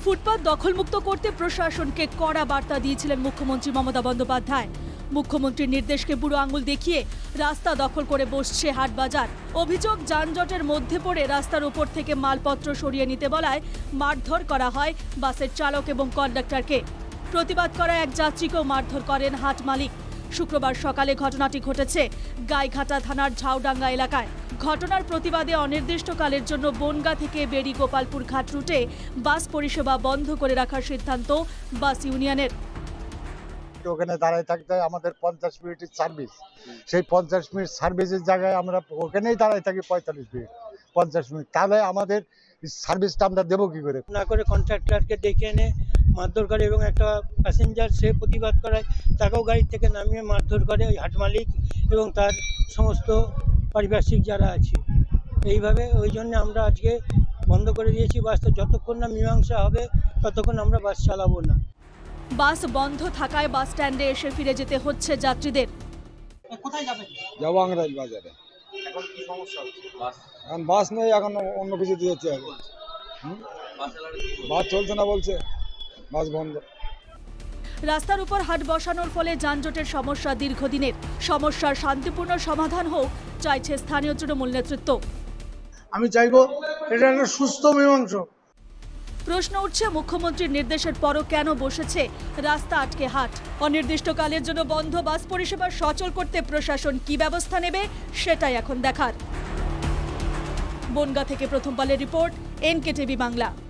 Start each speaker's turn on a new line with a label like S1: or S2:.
S1: ফুটপাত দখলমুক্ত করতে প্রশাসনকে কড়া বার্তা দিয়েছিলেন মুখ্যমন্ত্রী মমতা বন্দ্যোপাধ্যায়। মুখ্যমন্ত্রীর নির্দেশকে বুড়ো আঙুল দেখিয়ে রাস্তা দখল করে বসছে হাটবাজার। অভিযোগ, যানজটের মধ্যে পড়ে রাস্তার উপর থেকে মালপত্র সরিয়ে নিতে বলায় মারধর করা হয় বাসের চালক এবং কন্ডাক্টরকে। প্রতিবাদ করা এক যাত্রীকেও মারধর করেন হাট মালিক। শুক্রবার সকালে ঘটনাটি ঘটেছে গাইঘাটা থানার ঝাউডাঙ্গা এলাকায়। ঘটনার প্রতিবাদে অনির্দিষ্টকালের জন্য বনগাঁ থেকে বেড়ি গোপালপুর ঘাট রুটে বাস পরিষেবা বন্ধ করে রাখার সিদ্ধান্ত বাস ইউনিয়নের।
S2: ওখানে দাঁড়ায় থাকতে হয়, আমাদের 50 মিনিটের সার্ভিস। সেই 50 মিনিট সার্ভিসের জায়গায় আমরা ওখানেই দাঁড়ায় থাকি 45 মিনিট 50 মিনিট। তাহলে আমাদের সার্ভিসটা আমরা দেবো কি করে?
S3: না করে কন্ট্রাক্টরকে ডেকে এনে মারধর করে এবং একটা প্যাসেঞ্জার সে প্রতিবাদ করায় তাকেও গাড়ি থেকে নামিয়ে মারধর করে ওই হাট মালিক এবং তার সমস্ত পারিপার্শ্বিক যারা আছে। এইভাবে ওই জন্য আমরা আজকে বন্ধ করে দিয়েছি বাসটা। যতক্ষণ না মীমাংসা হবে ততক্ষণ আমরা বাস চালাবো না।
S1: বাস বন্ধ থাকায় বাস স্ট্যান্ডে এসে ফিরে যেতে হচ্ছে যাত্রীদের।
S3: কোথায় যাবেন?
S4: যাবো আংরাইল বাজারে।
S5: এখন কি সমস্যা হচ্ছে?
S4: এখন বাস নেই, এখন অন্য কিছু দিয়েছে। বাস চলছে না বলছে, বাস বন্ধ।
S1: রাস্তার উপর হাট বসানোর ফলে যানজটের সমস্যা দীর্ঘদিনের। সমস্যার শান্তিপূর্ণ সমাধান হোক চাইছে স্থানীয় তৃণমূল নেতৃত্ব।
S6: আমি চাইবো এটা একটা সুস্থ মীমাংসা।
S1: প্রশ্ন উঠছে, মুখ্যমন্ত্রীর নির্দেশের পরও কেন বসেছে রাস্তা আটকে হাট? অনির্দিষ্টকালের জন্য বন্ধ বাস পরিষেবা সচল করতে প্রশাসন কি ব্যবস্থা নেবে সেটাই এখন দেখার। বনগাঁ থেকে প্রথম পালের রিপোর্ট, NK টিভি বাংলা।